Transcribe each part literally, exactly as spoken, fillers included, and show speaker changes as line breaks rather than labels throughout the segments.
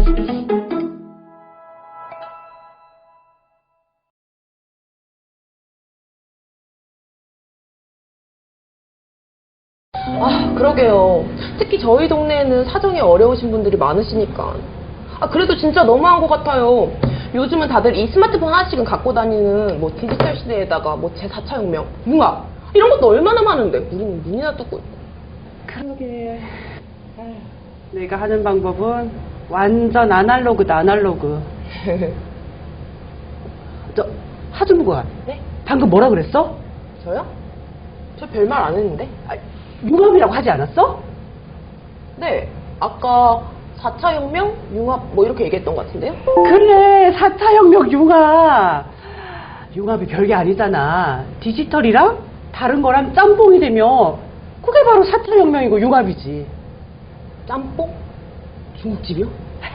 아, 그러게요. 특히 저희 동네에는 사정이 어려우신 분들이 많으시니까. 아, 그래도 진짜 너무한 것 같아요. 요즘은 다들 이 스마트폰 하나씩은 갖고 다니는 뭐 디지털 시대에다가 뭐 제사 차 혁명, 융합 이런 것도 얼마나 많은데 우리는 눈이나 뜨고 있고.
그러게. 아휴, 내가 하는 방법은 완전 아날로그다, 아날로그. 저, 하준부가
네?
방금 뭐라 그랬어?
저요? 저 별말 안 했는데?
아, 융합이라고 하지 않았어?
네, 아까 사 차 혁명, 융합 뭐 이렇게 얘기했던 것 같은데요?
그래, 사 차 혁명 융합. 융합이 별게 아니잖아. 디지털이랑 다른 거랑 짬뽕이 되면 그게 바로 사 차 혁명이고 융합이지.
짬뽕? 중국집이요?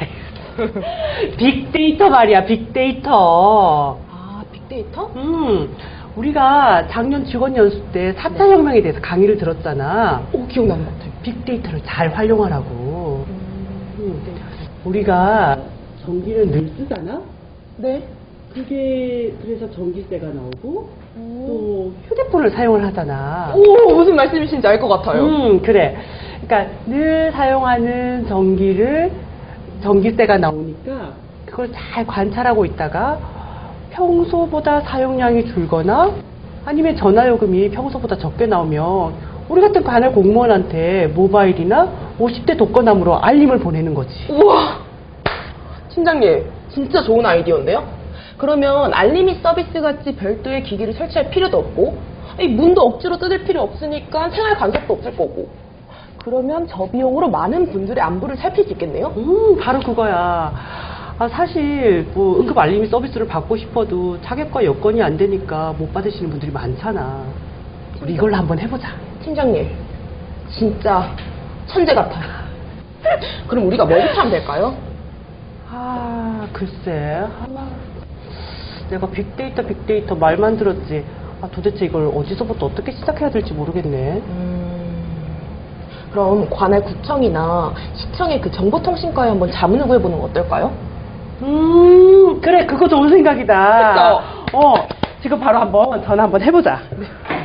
빅데이터 말이야, 빅데이터.
아, 빅데이터?
음, 우리가 작년 직원 연수 때 사 차 혁명에 대해서 강의를 들었잖아.
오, 기억나는 것 같아요.
빅데이터를 잘 활용하라고. 음, 우리가 전기를 늘 쓰잖아?
네.
그게 그래서 전기세가 나오고
오,
또 휴대폰을 사용을 하잖아.
오 무슨 말씀이신지 알 것 같아요.
음, 그래. 그러니까 늘 사용하는 전기를 전기세가 나오니까 그걸 잘 관찰하고 있다가 평소보다 사용량이 줄거나 아니면 전화요금이 평소보다 적게 나오면 우리 같은 관할 공무원한테 모바일이나 오십 대 독거나무로 알림을 보내는 거지.
우와, 팀장님 진짜 좋은 아이디어인데요? 그러면 알림이 서비스 같이 별도의 기기를 설치할 필요도 없고 이 문도 억지로 뜯을 필요 없으니까 생활 간섭도 없을 거고 그러면 저 비용으로 많은 분들의 안부를 살필 수 있겠네요?
음, 바로 그거야. 아, 사실 뭐 응급 알림이 서비스를 받고 싶어도 자격과 여건이 안 되니까 못 받으시는 분들이 많잖아. 우리 이걸로 한번 해보자.
팀장님 진짜 천재 같아요. 그럼 우리가 뭐부터 하면 될까요?
아, 글쎄. 아마 내가 빅데이터, 빅데이터 말만 들었지. 아, 도대체 이걸 어디서부터 어떻게 시작해야 될지 모르겠네.
음, 그럼 관할 구청이나 시청의 그 정보통신과에 한번 자문을 구해보는 거 어떨까요?
음, 그래, 그거 좋은 생각이다.
그쵸?
어, 지금 바로 한번 전화 한번 해보자.
네.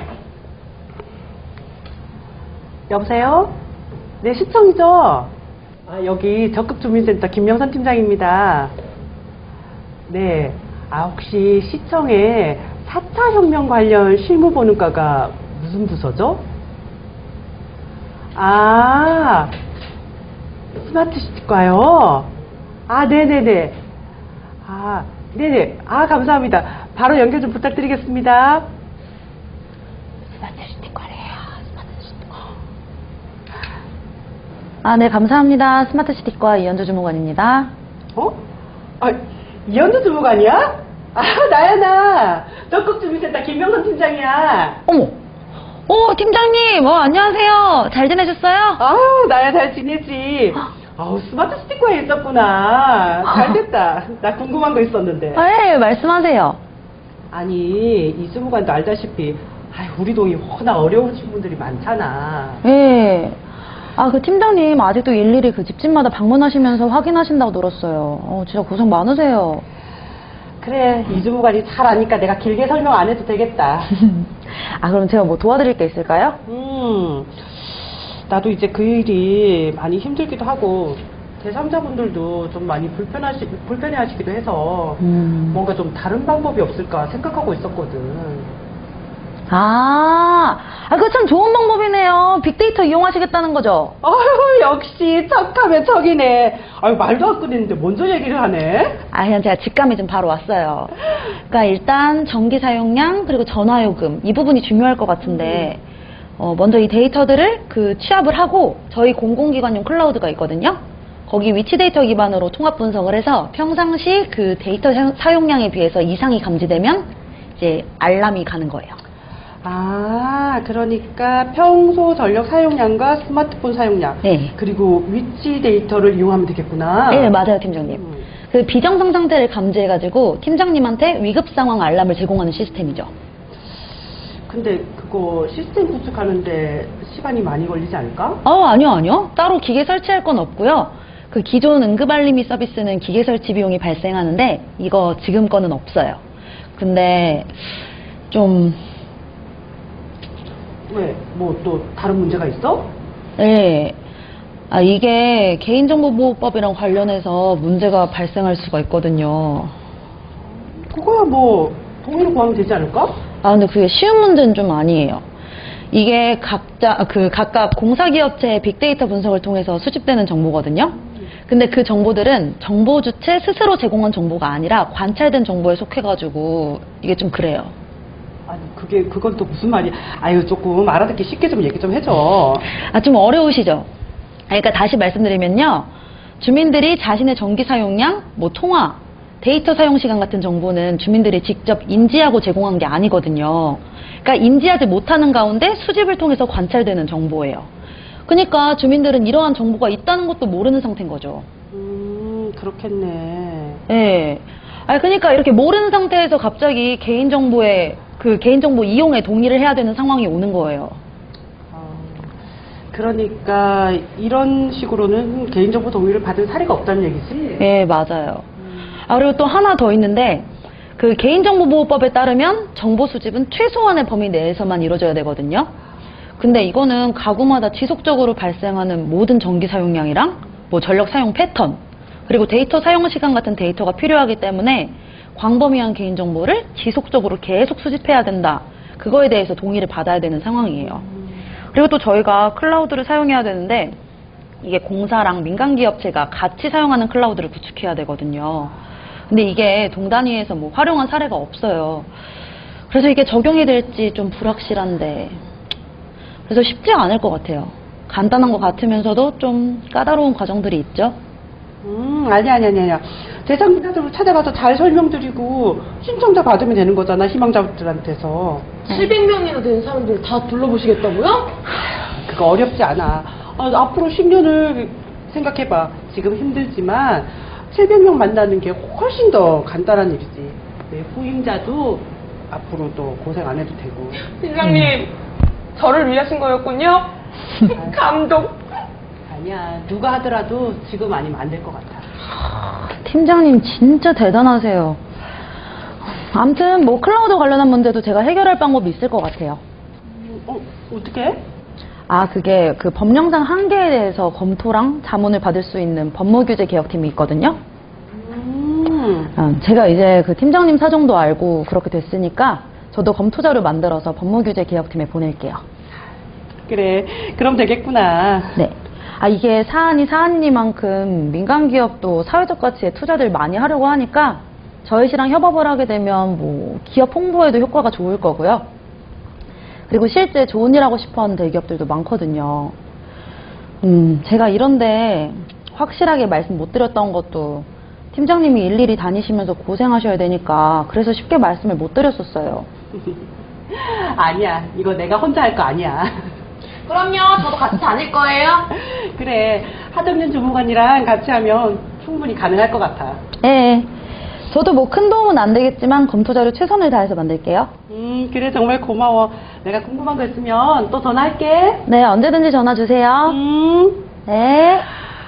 여보세요? 네, 시청이죠? 아, 여기 적극주민센터 김명선 팀장입니다. 네, 아, 혹시 시청에 사 차 혁명 관련 실무보는과가 무슨 부서죠? 아, 스마트시티과요? 아, 네네네. 아, 네네. 아, 감사합니다. 바로 연결 좀 부탁드리겠습니다. 스마트시티과래요, 스마트시티과.
아, 네, 감사합니다. 스마트시티과 이현주 주무관입니다.
어? 아, 이현주 주무관이야? 아, 나야, 나. 적극주민센터 김명선 팀장이야.
어머! 오, 팀장님! 어, 안녕하세요. 잘 지내셨어요?
아유, 나야 잘 지내지. 아우, 스마트시티과에 있었구나. 잘 됐다. 나 궁금한 거 있었는데.
아, 예, 말씀하세요.
아니, 이 주무관도 알다시피, 아유, 우리 동이 워낙 어려우신 분들이 많잖아.
예. 아, 그 팀장님 아직도 일일이 그 집집마다 방문하시면서 확인하신다고 들었어요. 어, 진짜 고생 많으세요.
그래, 이 주무관이 잘 아니까 내가 길게 설명 안 해도 되겠다.
아, 그럼 제가 뭐 도와드릴 게 있을까요?
음, 나도 이제 그 일이 많이 힘들기도 하고, 제삼자분들도 좀 많이 불편하시, 불편해 하시기도 해서,
음.
뭔가 좀 다른 방법이 없을까 생각하고 있었거든.
아, 아, 그거 참 좋은 방법이네요. 빅데이터 이용하시겠다는 거죠?
아유, 역시 척하면 척이네. 아유, 말도 안 꺼냈는데 먼저 얘기를 하네.
아, 그냥 제가 직감이 좀 바로 왔어요. 그러니까 일단 전기 사용량 그리고 전화요금 이 부분이 중요할 것 같은데 어, 먼저 이 데이터들을 그 취합을 하고 저희 공공기관용 클라우드가 있거든요. 거기 위치 데이터 기반으로 통합 분석을 해서 평상시 그 데이터 사용량에 비해서 이상이 감지되면 이제 알람이 가는 거예요.
아, 그러니까 평소 전력 사용량과 스마트폰 사용량,
네.
그리고 위치 데이터를 이용하면 되겠구나.
네, 맞아요, 팀장님.
음.
그 비정상 상태를 감지해가지고 팀장님한테 위급 상황 알람을 제공하는 시스템이죠.
근데 그거 시스템 구축하는데 시간이 많이 걸리지 않을까?
어, 아니요, 아니요. 따로 기계 설치할 건 없고요. 그 기존 응급알림이 서비스는 기계 설치 비용이 발생하는데 이거 지금 거는 없어요. 근데 좀
왜? 뭐 또 다른 문제가 있어?
네. 아, 이게 개인정보보호법이랑 관련해서 문제가 발생할 수가 있거든요.
그거야 뭐 동의를 구하면 되지 않을까?
아, 근데 그게 쉬운 문제는 좀 아니에요. 이게 각자, 그 각각 공사기업체의 빅데이터 분석을 통해서 수집되는 정보거든요. 근데 그 정보들은 정보 주체 스스로 제공한 정보가 아니라 관찰된 정보에 속해가지고 이게 좀 그래요.
아니 그게 그건 또 무슨 말이야? 아유 조금 알아듣기 쉽게 좀 얘기 좀 해줘.
아, 좀 어려우시죠? 아, 그러니까 다시 말씀드리면요. 주민들이 자신의 전기 사용량, 뭐 통화, 데이터 사용 시간 같은 정보는 주민들이 직접 인지하고 제공한 게 아니거든요. 그러니까 인지하지 못하는 가운데 수집을 통해서 관찰되는 정보예요. 그러니까 주민들은 이러한 정보가 있다는 것도 모르는 상태인 거죠.
음 그렇겠네.
예. 아, 그러니까 이렇게 모르는 상태에서 갑자기 개인정보에, 그 개인정보 이용에 동의를 해야 되는 상황이 오는 거예요.
어, 그러니까 이런 식으로는 개인정보 동의를 받은 사례가 없다는 얘기지?
예, 맞아요. 아, 그리고 또 하나 더 있는데, 그 개인정보보호법에 따르면 정보 수집은 최소한의 범위 내에서만 이루어져야 되거든요. 근데 이거는 가구마다 지속적으로 발생하는 모든 전기 사용량이랑 뭐 전력 사용 패턴, 그리고 데이터 사용 시간 같은 데이터가 필요하기 때문에 광범위한 개인정보를 지속적으로 계속 수집해야 된다. 그거에 대해서 동의를 받아야 되는 상황이에요. 그리고 또 저희가 클라우드를 사용해야 되는데 이게 공사랑 민간기업체가 같이 사용하는 클라우드를 구축해야 되거든요. 근데 이게 동단위에서 뭐 활용한 사례가 없어요. 그래서 이게 적용이 될지 좀 불확실한데, 그래서 쉽지 않을 것 같아요. 간단한 것 같으면서도 좀 까다로운 과정들이 있죠.
음, 아니, 아니, 아니, 아니. 대상자들을 찾아가서 잘 설명드리고 신청자 받으면 되는 거잖아, 희망자들한테서.
칠백 명이나 되는 사람들 다 둘러보시겠다고요?
그거 어렵지 않아. 아, 앞으로 십 년을 생각해봐. 지금 힘들지만 칠백 명 만나는 게 훨씬 더 간단한 일이지. 내 후임자도 앞으로 또 고생 안 해도 되고.
팀장님, 저를 위하신 거였군요? 감동.
아니야. 누가 하더라도 지금 아니면 안 될 것 같아.
팀장님 진짜 대단하세요. 아무튼 뭐 클라우드 관련한 문제도 제가 해결할 방법이 있을 것 같아요.
어, 어떻게?
아, 그게 그 법령상 한계에 대해서 검토랑 자문을 받을 수 있는 법무규제 개혁팀이 있거든요.
음.
아, 제가 이제 그 팀장님 사정도 알고 그렇게 됐으니까 저도 검토 자료 만들어서 법무규제 개혁팀에 보낼게요.
그래. 그럼 되겠구나.
네. 아, 이게 사안이 사안이만큼 민간 기업도 사회적 가치에 투자를 많이 하려고 하니까 저희 시랑 협업을 하게 되면 뭐 기업 홍보에도 효과가 좋을 거고요. 그리고 실제 좋은 일 하고 싶어 하는 대기업들도 많거든요. 음, 제가 이런데 확실하게 말씀 못 드렸던 것도 팀장님이 일일이 다니시면서 고생하셔야 되니까 그래서 쉽게 말씀을 못 드렸었어요.
아니야. 이거 내가 혼자 할 거 아니야.
그럼요, 저도 같이 다닐 거예요.
그래. 하덕년 주무관이랑 같이 하면 충분히 가능할 것 같아.
예. 저도 뭐 큰 도움은 안 되겠지만 검토 자료 최선을 다해서 만들게요.
음, 그래. 정말 고마워. 내가 궁금한 거 있으면 또 전화할게.
네, 언제든지 전화 주세요.
음.
네.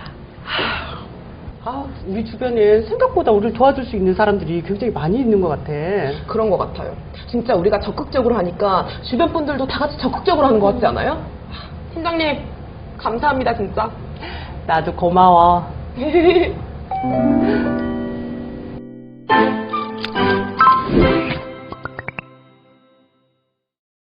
아, 우리 주변에 생각보다 우리를 도와줄 수 있는 사람들이 굉장히 많이 있는 것 같아.
그런 것 같아요. 진짜 우리가 적극적으로 하니까 주변 분들도 다 같이 적극적으로 하는 것 같지 않아요? 팀장님, 감사합니다, 진짜.
나도 고마워.